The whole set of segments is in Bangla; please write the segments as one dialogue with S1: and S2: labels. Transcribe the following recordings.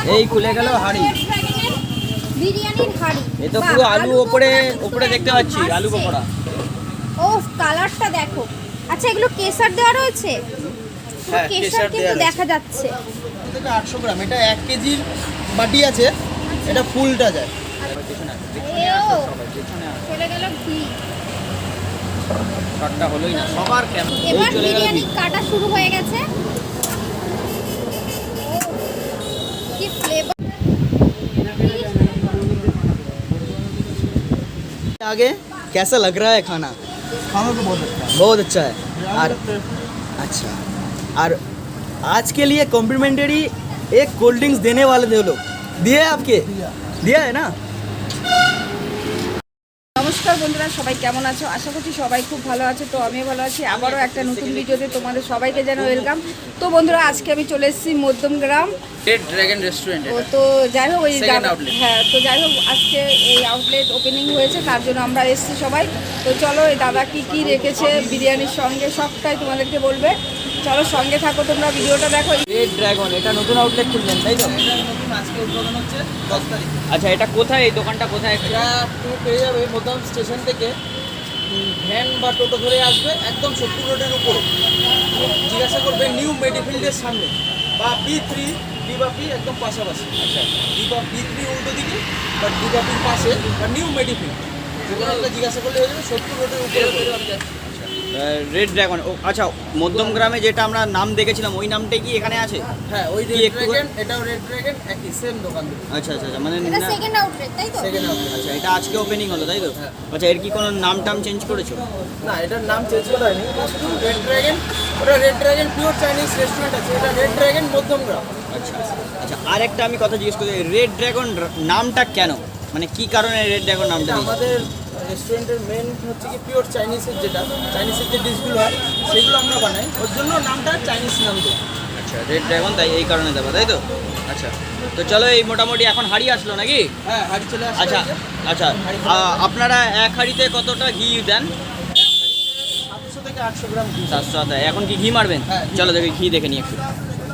S1: এই খুলে গেল হাড়ি,
S2: বিরিয়ানির হাড়ি।
S1: এ তো পুরো আলু ওপরে ওপরে দেখতে পাচ্ছি, আলু পকোড়া।
S2: ও কালারটা দেখো। আচ্ছা এগুলো কেসার দেওয়া রয়েছে?
S3: হ্যাঁ,
S2: কেসার
S3: কেশর
S2: কিন্তু
S3: দেওয়া
S2: দেখা যাচ্ছে।
S3: থেকে 800 গ্রাম, এটা 1 কেজির বাটি আছে, এটা ফুলটা যায়।
S2: এও চলে গেল ঘি।
S1: শটটা হলোই না সবার কেমন।
S2: এবার বিরিয়ানি কাটা শুরু হয়ে গেছে। কি ফ্লেভার।
S3: आगे कैसा लग रहा है खाना?
S4: खाना तो बहुत अच्छा है।
S3: बहुत अच्छा है। और अच्छा, और आज के लिए कॉम्प्लीमेंट्री एक कोल्ड ड्रिंक्स देने वाले थे वो लोग, दिए आपके? दिया है ना?
S5: নমস্কার বন্ধুরা, সবাই কেমন আছো? আশা করছি সবাই খুব ভালো আছে। তো আমিও ভালো আছি। আবারও একটা নতুন ভিডিওতে তোমাদের সবাইকে জানাই ওয়েলকাম। তো বন্ধুরা, আজকে আমি চলে এসেছি মধ্যমগ্রাম
S1: রেড ড্রাগন রেস্টুরেন্ট।
S5: তো যাই হোক ওই
S1: Second outlet।
S5: হ্যাঁ, তো যাই হোক আজকে এই আউটলেট ওপেনিং হয়েছে, তার জন্য আমরা এসেছি সবাই। তো চলো এই দাদা কি রেখেছে বিরিয়ানির সঙ্গে সবটাই তোমাদেরকে বলবে। চলো সঙ্গে থাকো, তোমরা ভিডিওটা দেখো।
S1: রেড ড্রাগন, এটা নতুন আউটলেট খুললেন তাই তো?
S3: নতুন আজকে উদ্বোধন হচ্ছে 10 তারিখ।
S1: আচ্ছা, এটা কোথায়, এই দোকানটা কোথায়?
S3: এটা তুমি পেয়ে যাবে মধ্যম স্টেশন থেকে, ভ্যান বা টোটো ধরে আসবে একদম 70 রোডের উপরে, জিজ্ঞাসা করবে নিউ মেডিফিল্ডের সামনে, বা B3 ডিবাপি একদম পাশাপাশি। আচ্ছা, B3 উল্টো দিকে বা ডিবাপির পাশে বা নিউ মেডিফিল্ড, যে কোনো একটা জিজ্ঞাসা করলে হয়ে যাবে 70 রোডের উপরে।
S1: Red dragon. ও আচ্ছা, মধ্যম গ্রামে যেটা আমরা নাম দেখেছিলাম ওই নামটাই কি এখানে আছে?
S3: হ্যাঁ, ওই
S1: কি
S3: রেড
S1: একটু
S3: ড্রাগন, এটাও রেড ড্রাগন, একই সেম দোকান দুটো।
S1: আচ্ছা আচ্ছা আচ্ছা, মানে
S2: এটা সেকেন্ড আউটলেট তাই তো?
S3: Second outlet.
S1: আচ্ছা, এটা আজকে ওপেনিং হলো তাই তো?
S3: হ্যাঁ।
S1: আচ্ছা, এর কি কোনো নাম টাম চেঞ্জ করেছো?
S3: না, এটার নাম চেঞ্জ করা হয়নি, রেড ড্রাগন। ওটা red dragon pure Chinese restaurant আছে, এটা রেড ড্রাগন মধ্যমগ্রাম।
S1: আচ্ছা আচ্ছা, আর একটা আমি কথা জিজ্ঞেস করি, রেড ড্রাগন নামটা কেন, মানে কি কারণে রেড ড্রাগন নামটা
S3: এটা
S1: দিয়েছে?
S3: আমাদের রেস্টুরেন্টের মেন হচ্ছে কি পিওর চাইনিজের, চাইনিজের যে ডিশগুলো হয় সেগুলো আমরা বানাই, ওর জন্য নামটা চাইনিজ নাম দিই।
S1: আচ্ছা, রেড ড্রাগন তাই এই কারণে দেবো তাই তো? আচ্ছা, তো চলো এই মোটামুটি এখন হাঁড়ি আসলো নাকি?
S3: হ্যাঁ, হাঁড়ি চলে আসে।
S1: আচ্ছা আচ্ছা, আপনারা এক হাঁড়িতে কতটা ঘি দেন?
S3: 700 থেকে 800 গ্রাম ঘি।
S1: 700 আদা। এখন কি ঘি মারবেন?
S3: হ্যাঁ, ঘি।
S1: চলো দেখি, ঘি দেখে নিই একটু।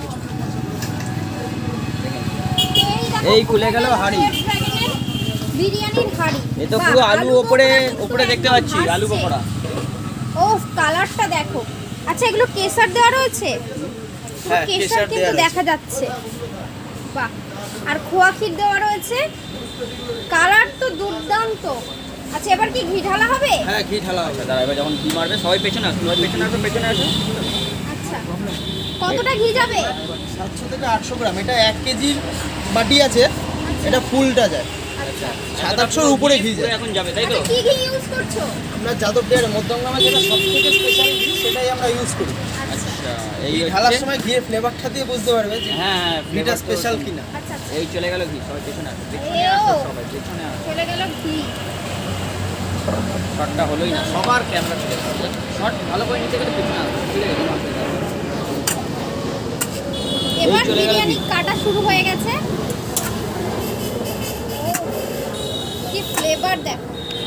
S2: এই
S1: খুলে গেল হাঁড়ি।
S2: বিরিয়ানির হাড়ি।
S1: এ তো পুরো আলু ওপরে ওপরে দেখতে পাচ্ছি, আলু পকোড়া।
S2: ও কালারটা দেখো। আচ্ছা এগুলো কেসার দেওয়া রয়েছে?
S3: হ্যাঁ,
S2: কেসার
S3: কেশর
S2: কিন্তু
S3: দেওয়া রয়েছে।
S2: দেখা যাচ্ছে। বাহ। আর খোয়া ক্ষীর দেওয়া রয়েছে। কালার তো দুর্দান্ত। আচ্ছা এবার কি ঘি ঢালা হবে?
S3: হ্যাঁ, ঘি ঢালা হবে।
S1: দাঁড়া, এবার যখন ঘি মারবে সবাই পেছনে আসুন, সবাই পেছনে আসুন, পেছনে আসুন।
S2: আচ্ছা কতটা ঘি যাবে?
S3: 700 থেকে 800 গ্রাম, এটা 1 কেজির বাটি আছে, এটা ফুলটা যায়।
S2: আচ্ছা
S3: 700-800 উপরে ঘি যায়।
S1: এখন যাবে তাই তো?
S2: আচ্ছা, কি ঘি ইউজ করছো?
S3: আমরা যাদব ডেয়ারি মধ্যমগ্রামে যেটা সব থেকে স্পেশাল ঘি, সেটাই আমরা ইউজ করি।
S1: আচ্ছা, এই
S3: এই
S1: হচ্ছে-
S3: ঢালার সময় ঘিয়ের ফ্লেভারটা দিয়ে বুঝতে পারবে যে
S1: হ্যাঁ হ্যাঁ,
S3: ঘিটা
S1: flavor তো-
S3: স্পেশাল কিনা।
S2: আচ্ছা আচ্ছা
S1: এই চলে গেল ঘি, সবাই পেছনে আসুন, পেছনে
S2: এও।
S1: আসুন, সবাই পেছনে আসুন।
S2: চলে গেল ঘি।
S1: শটটা হলোই না সবার ক্যামেরা চলে গেছে। শট ভালো করে নিতে গেলে পেছনে আসুন, ঠিক আছে?
S2: এবার
S1: চলে গেল
S2: বিরিয়ানি
S1: ঘি।
S2: কাটা শুরু হয়ে গেছে। কি ফ্লেভার দেখো।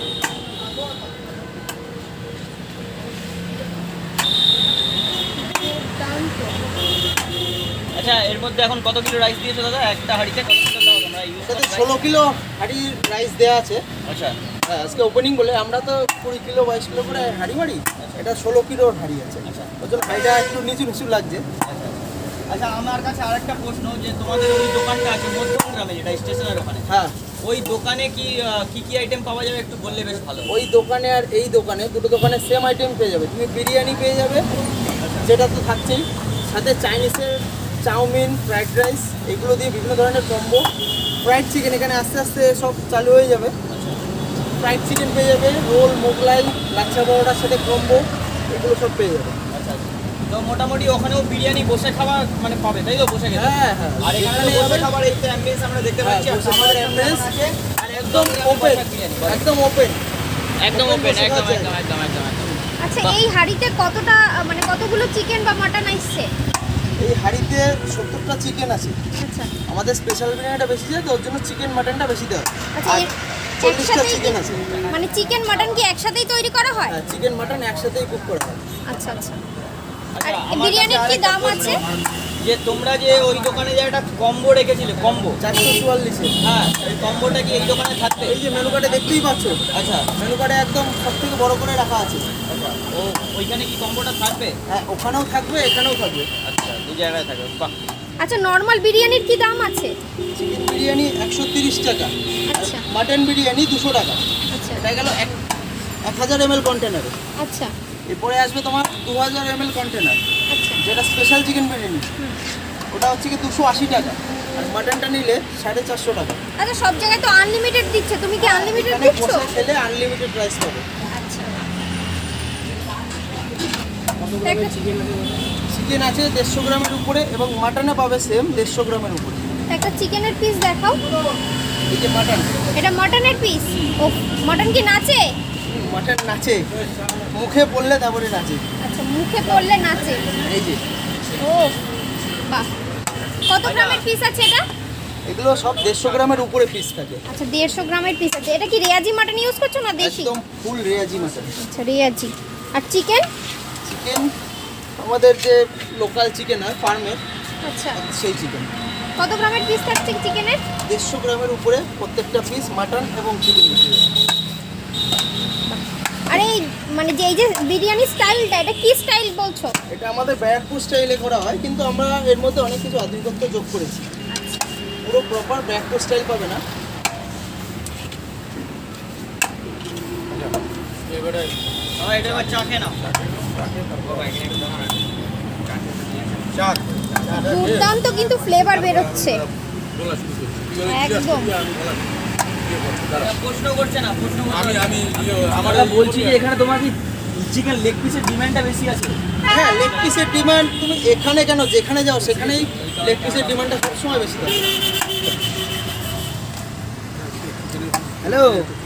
S2: দুর্দান্ত।
S1: আচ্ছা, এর মধ্যে এখন কত কিলো রাইস দিয়েছো দাদা? একটা হাঁড়িতে কত কিলো দাও তোমরা ইউজ
S3: এটাতে 16 কিলো হাঁড়ি রাইস দেওয়া আছে।
S1: আচ্ছা
S3: হ্যাঁ, আজকে ওপেনিং বলে আমরা তো 20 কিলো 22 কিলো করে হাঁড়ি মারি, এটা 16 কিলোর হাঁড়ি আছে।
S1: আচ্ছা।
S3: ওর জন্য হাঁড়িটা একটু নিচু নিচু লাগছে।
S1: আচ্ছা, আমার কাছে আরেকটা প্রশ্ন, যে তোমাদের ওই দোকানটা আছে মধ্যমগ্রামে যেটা স্টেশনের ওখানে,
S3: হ্যাঁ,
S1: ওই দোকানে কি কি আইটেম পাওয়া যাবে একটু বললে বেশ ভালো।
S3: ওই দোকানে আর এই দোকানে, দুটো দোকানে সেম আইটেম পেয়ে যাবে। তুমি বিরিয়ানি পেয়ে যাবে, যেটা তো থাকছেই, সাথে চাইনিজের চাউমিন, ফ্রাইড রাইস, এগুলো দিয়ে বিভিন্ন ধরনের কম্বো। ফ্রাইড চিকেন এখানে আস্তে আস্তে সব চালু হয়ে যাবে। ফ্রাইড চিকেন পেয়ে যাবে, রোল, মোগলাই, লাচ্ছা পরোটার সাথে কম্বো, এগুলো সব পেয়ে যাবে।
S1: আচ্ছা আচ্ছা, তো মোটামুটি ওখানেও বিরিয়ানি বসে খাওয়া মানে পাবে তাই তো? বসে খেতে।
S3: হ্যাঁ, হ্যাঁ।
S1: আর এখানে তো বসে খাবার এই তো অ্যাম্বিয়েন্স আমরা দেখতে
S3: হ্যাঁ,
S1: পাচ্ছি। আর
S3: বসে
S1: আমাদের
S3: খাবার ambience
S1: আছে, আর
S3: একদম ওপেন,
S1: বিরিয়ানি
S3: একদম ওপেন।
S1: একদম
S3: open
S1: ওপেন,
S3: বসে
S1: একদম
S3: খাওয়া
S1: একদম একদম একদম একদম।
S2: আচ্ছা
S1: বাহ।
S2: এই হাঁড়িতে কতটা মানে কতগুলো চিকেন বা মাটন আসছে?
S3: এই হাঁড়িতে 70টা চিকেন আছে।
S2: আচ্ছা
S3: আমাদের স্পেশাল বিরিয়ানিটা বেশি যায় তো, ওর জন্য চিকেন মাটনটা বেশি দেওয়া হয়।
S2: আচ্ছা
S3: আর 40টা
S2: একসাথেই
S3: চিকেন আছে।
S2: মানে চিকেন মাটন কি একসাথেই তৈরি করা হয়?
S3: হ্যাঁ, চিকেন মাটন একসাথেই কুক করা হয়।
S2: আচ্ছা আচ্ছা।
S1: আচ্ছা,
S2: আর
S1: আমার
S2: বিরিয়ানির
S1: কাছে
S2: কি
S1: আরেকটা
S2: দাম
S1: প্রশ্ন,
S2: আছে?
S1: যে তোমরা যে ওই দোকানে যে একটা কম্বো রেখেছিলে, কম্বো
S3: 444-এ।
S1: হ্যাঁ, এই কম্বোটা কি এই দোকানে থাকবে?
S3: এই যে মেনু কার্ডে দেখতেই পাচ্ছ,
S1: আচ্ছা
S3: মেনু কার্ডে একদম সব থেকে বড় করে রাখা আছে।
S1: আচ্ছা, ও ওইখানে কি কম্বোটা থাকবে?
S3: হ্যাঁ, ওখানেও থাকবে, এখানেও থাকবে।
S1: আচ্ছা, দু জায়গায় থাকবে, বাহ।
S2: আচ্ছা, নর্মাল বিরিয়ানির কি দাম আছে?
S3: চিকেন বিরিয়ানি 130 টাকা,
S2: আচ্ছা
S3: মাটন বিরিয়ানি 200 টাকা।
S2: আচ্ছা
S3: এটা গেল 1000 ml কন্টেনারে।
S2: আচ্ছা
S3: এরপরে আসবে তোমার 2000 ml কন্টেনার,
S2: আচ্ছা
S3: যেটা স্পেশাল চিকেন বিরিয়ানি। ওটা হচ্ছে কি 280 টাকা, আর মাটনটা নিলে 450 টাকা।
S2: আচ্ছা, সব জায়গায় তো আনলিমিটেড দিচ্ছে, তুমি কি আনলিমিটেড
S3: এখানে
S2: দিচ্ছ?
S3: বসে খেলে আনলিমিটেড প্রাইস পাবে।
S2: আচ্ছা,
S3: চিকেন আছে 150 গ্রামের উপরে, এবং মাটনে পাবে সেম 150 গ্রামের উপরে।
S2: একটা চিকেনের পিস দেখাও।
S3: এই যে মাটন,
S2: এটা মটনের পিস। ও, মটন কি নাচে?
S3: মাটন নাচে, মুখে পড়লে তারপরে নাচে।
S2: আচ্ছা, মুখে পড়লে নাচে।
S3: এই যে
S2: ও বাহ, কত গ্রামের পিস আছে এটা?
S3: এগুলো সব 150 গ্রামের উপরে পিস থাকে।
S2: আচ্ছা, 150 গ্রামের পিস আছে। এটা কি রেয়াজি মাটন ইউজ করছো না দেশি?
S3: একদম ফুল রেয়াজি মাটন।
S2: আচ্ছা, রেয়াজি। আর চিকেন?
S3: চিকেন আমাদের যে লোকাল চিকেন হয় ফার্মের,
S2: আচ্ছা,
S3: সেই চিকেন।
S2: কত গ্রামের পিস থাকছে চিকেনের?
S3: 150 গ্রামের উপরে প্রত্যেকটা পিস মাটন এবং চিকেন।
S2: আর এই মানে যে এই যে বিরিয়ানি স্টাইলটা, এটা কি স্টাইল বলছো?
S3: এটা আমাদের ব্যারাকপুর স্টাইলে করা হয়, কিন্তু আমরা এর মধ্যে অনেক কিছু আধুনিকত্ব যোগ করেছি। পুরো প্রপার ব্যারাকপুর স্টাইল পাবে না।
S1: সবাই এটা এবার চা খেয়ে নাও।
S2: দুর্দান্ত কিন্তু ফ্লেভার বেরোচ্ছে একদম।
S1: প্রশ্ন করছে না, প্রশ্ন করছে না।
S3: আমরা
S1: বলছি যে এখানে তোমার কি চিকেন লেগ পিসের ডিমান্ডটা বেশি আছে?
S3: হ্যাঁ, লেগ পিসের ডিমান্ড তুমি এখানে কেন, যেখানে যাও সেখানেই লেগ পিসের ডিমান্ডটা সবসময় বেশি থাকে। হ্যালো,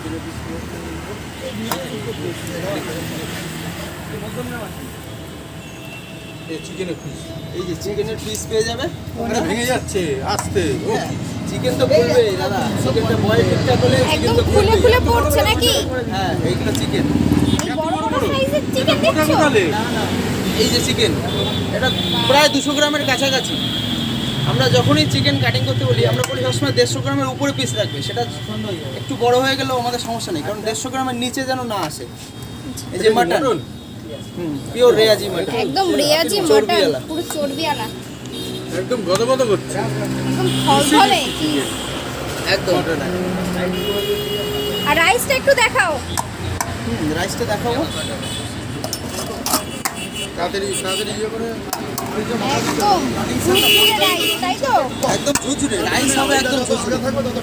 S3: এই যে চিকেনের পিস পেয়ে যাবে।
S4: ভেঙে যাচ্ছে আস্তে।
S3: চিকেন তো বলবে দাদা, চিকেনটা বয়েল ঠিকঠাক হলে চিকেন
S2: একদম
S3: তো
S2: ফুলে
S3: বলবে।
S2: ফুলে পড়ছে নাকি?
S3: হ্যাঁ, এইগুলো চিকেন।
S2: এই বড় বড় সাইজের চিকেন দেখছো?
S3: এই যে চিকেন, এটা প্রায় 200 গ্রামের কাছাকাছি। আমরা যখনই চিকেন কাটিং করতে বলি, আমরা বলি সবসময় 150 গ্রামের উপরে পিস রাখবে। সেটা একটু বড় হয়ে গেলেও আমাদের সমস্যা নেই, কারণ 150 গ্রামের নিচে যেন না আসে। এই যে মাটন, পিওর রেয়াজি মাটন,
S2: একদম রেয়াজি মটন,
S3: চর্বিওয়ালা।
S2: পুরো চর্বিওয়ালা,
S4: একদম গদগদ করছে।
S2: একদম ফলফলে চিজ।
S3: একদম।
S2: আর রাইসটা একটু দেখাও।
S3: রাইসটা দেখাবো।
S4: তাড়াতাড়ি তাড়াতাড়ি ইয়ে করে।
S2: একদম ঝুরঝুরে রাইস, তাই তো?
S3: একদম ঝুরঝুরে রাইস হবে, একদম ঝুরঝুরে।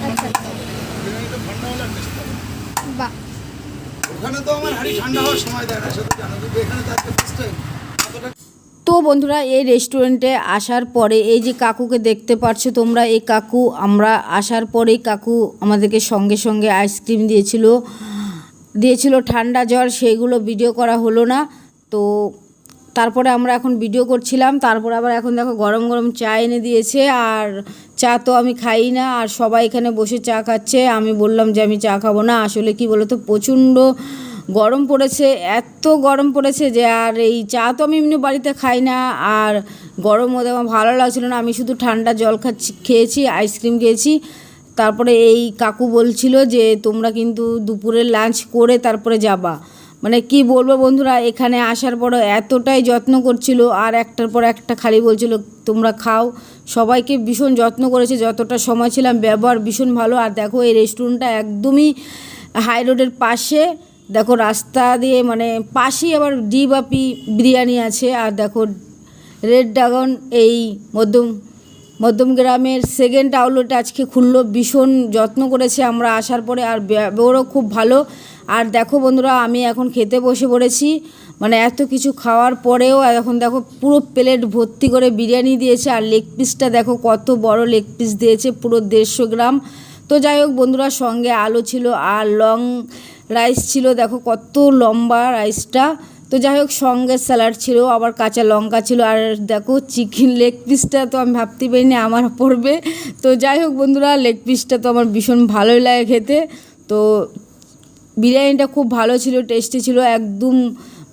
S2: বাহ,
S4: ওখানে তো আমার হাড়ি ঠান্ডা হওয়ার সময় দেয় না, সেটা জানো, কিন্তু এখানে তো একটা সিস্টেম।
S5: তো বন্ধুরা, এই রেস্টুরেন্টে আসার পরে এই যে কাকুকে দেখতে পাচ্ছ তোমরা, এই কাকু আমরা আসার পরেই কাকু আমাদেরকে সঙ্গে সঙ্গে আইসক্রিম দিয়েছিল ঠান্ডা জল, সেইগুলো ভিডিও করা হলো না। তো তারপরে আমরা এখন ভিডিও করছিলাম, তারপরে আবার এখন দেখো গরম গরম চা এনে দিয়েছে। আর চা তো আমি খাই না, আর সবাই এখানে বসে চা খাচ্ছে। আমি বললাম যে আমি চা খাবো না। আসলে কি বলো তো, প্রচণ্ড গরম পড়েছে, এত গরম পড়েছে যে আর এই চা তো আমি এমনি বাড়িতে খাই না, আর গরম মধ্যে আমার ভালো লাগছিলো না। আমি শুধু ঠান্ডা জল খেয়েছি, আইসক্রিম খেয়েছি। তারপরে এই কাকু বলছিল যে তোমরা কিন্তু দুপুরে লাঞ্চ করে তারপরে যাবা। মানে কি বলবো বন্ধুরা, এখানে আসার পরও এতটাই যত্ন করছিল, আর একটার পর একটা খালি বলছিল তোমরা খাও। সবাইকে ভীষণ যত্ন করেছে, যতটা সময় ছিলাম, ব্যবহার ভীষণ ভালো। আর দেখো এই রেস্টুরেন্টটা একদমই হাই রোডের পাশে, দেখো রাস্তা দিয়ে মানে পাশেই আবার ডিবাপি বিরিয়ানি আছে। আর দেখো রেড ড্রাগন এই মধ্যম গ্রামের সেকেন্ড আউটলেট আজকে খুললো, ভীষণ যত্ন করেছে আমরা আসার পরে, আর ব্যবহারও খুব ভালো। আর দেখো বন্ধুরা, আমি এখন খেতে বসে পড়েছি, মানে এত কিছু খাওয়ার পরেও এখন দেখো পুরো প্লেট ভর্তি করে বিরিয়ানি দিয়েছে। আর লেগ পিসটা দেখো কত বড় লেগ পিস দিয়েছে, পুরো 150 গ্রাম। তো যাই হোক বন্ধুরা, সঙ্গে আলু ছিল আর লং রাইস ছিল, দেখো কত লম্বা রাইসটা। তো যাই হোক, সঙ্গে স্যালাড ছিল, আবার কাঁচা লঙ্কা ছিল। আর দেখো চিকেন লেগ পিসটা তো আমি ভাবতে পারিনি আমার পড়বে। তো যাই হোক বন্ধুরা, লেগ পিসটা তো আমার ভীষণ ভালোই লাগে খেতে। তো বিরিয়ানিটা খুব ভালো ছিল, টেস্টি ছিল, একদম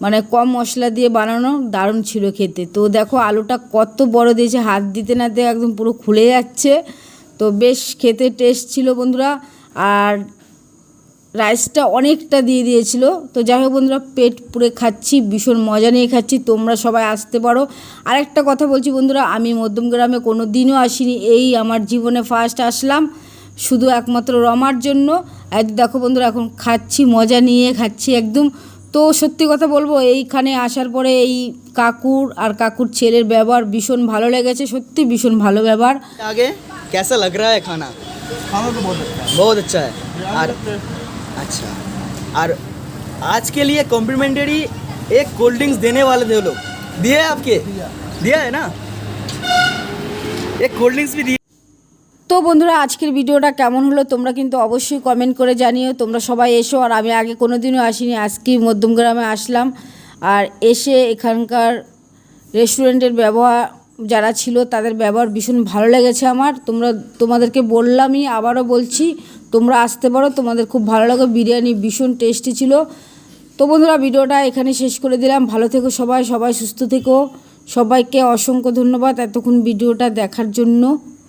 S5: মানে কম মশলা দিয়ে বানানো, দারুণ ছিল খেতে। তো দেখো আলুটা কত বড় দিয়েছে, হাত দিতে না দিতে একদম পুরো খুলে যাচ্ছে। তো বেশ খেতে টেস্ট ছিল বন্ধুরা। আর রাইসটা অনেকটা দিয়ে দিয়েছিল। তো যাই হোক বন্ধুরা, পেট পুরে খাচ্ছি, ভীষণ মজা নিয়ে খাচ্ছি। তোমরা সবাই আসতে পারো। আরেকটা কথা বলছি বন্ধুরা, আমি মধ্যমগ্রামে কোনো দিনও আসিনি, এই আমার জীবনে ফার্স্ট আসলাম, শুধু একমাত্র রমার জন্য। আর দেখো বন্ধুরা, এখন খাচ্ছি, মজা নিয়ে খাচ্ছি একদম। তো সত্যি কথা বলবো, এইখানে আসার পরে এই কাকুর আর কাকুর ছেলের ব্যবহার ভীষণ ভালো লেগেছে, সত্যি ভীষণ ভালো ব্যবহার।
S1: आगे कैसा लग रहा है खाना?
S4: খানা তো বহুত अच्छा
S1: बहुत अच्छा है। और अच्छा, और आज के लिए कॉम्प्लीमेंट्री एक कोल्ड ड्रिंक्स देने वाले थे वो लोग, दिए है आपके? दिया है ना, एक कोल्ड ड्रिंक्स भी दिए।
S5: তো বন্ধুরা, আজকের ভিডিওটা কেমন হলো তোমরা কিন্তু অবশ্যই কমেন্ট করে জানিও। তোমরা সবাই এসো। আর আমি আগে কোনো দিনও আসিনি, আজকেই মধ্যমগ্রামে আসলাম। আর এসে এখানকার রেস্টুরেন্টের ব্যবহার যারা ছিল তাদের ব্যবহার ভীষণ ভালো লেগেছে আমার। তোমাদেরকে বললামই, আবারও বলছি, তোমরা আসতে পারো, তোমাদের খুব ভালো লাগে। বিরিয়ানি ভীষণ টেস্টি ছিল। তো বন্ধুরা, ভিডিওটা এখানে শেষ করে দিলাম। ভালো থেকো সবাই, সবাই সুস্থ থেকো। সবাইকে অসংখ্য ধন্যবাদ এতক্ষণ ভিডিওটা দেখার জন্য।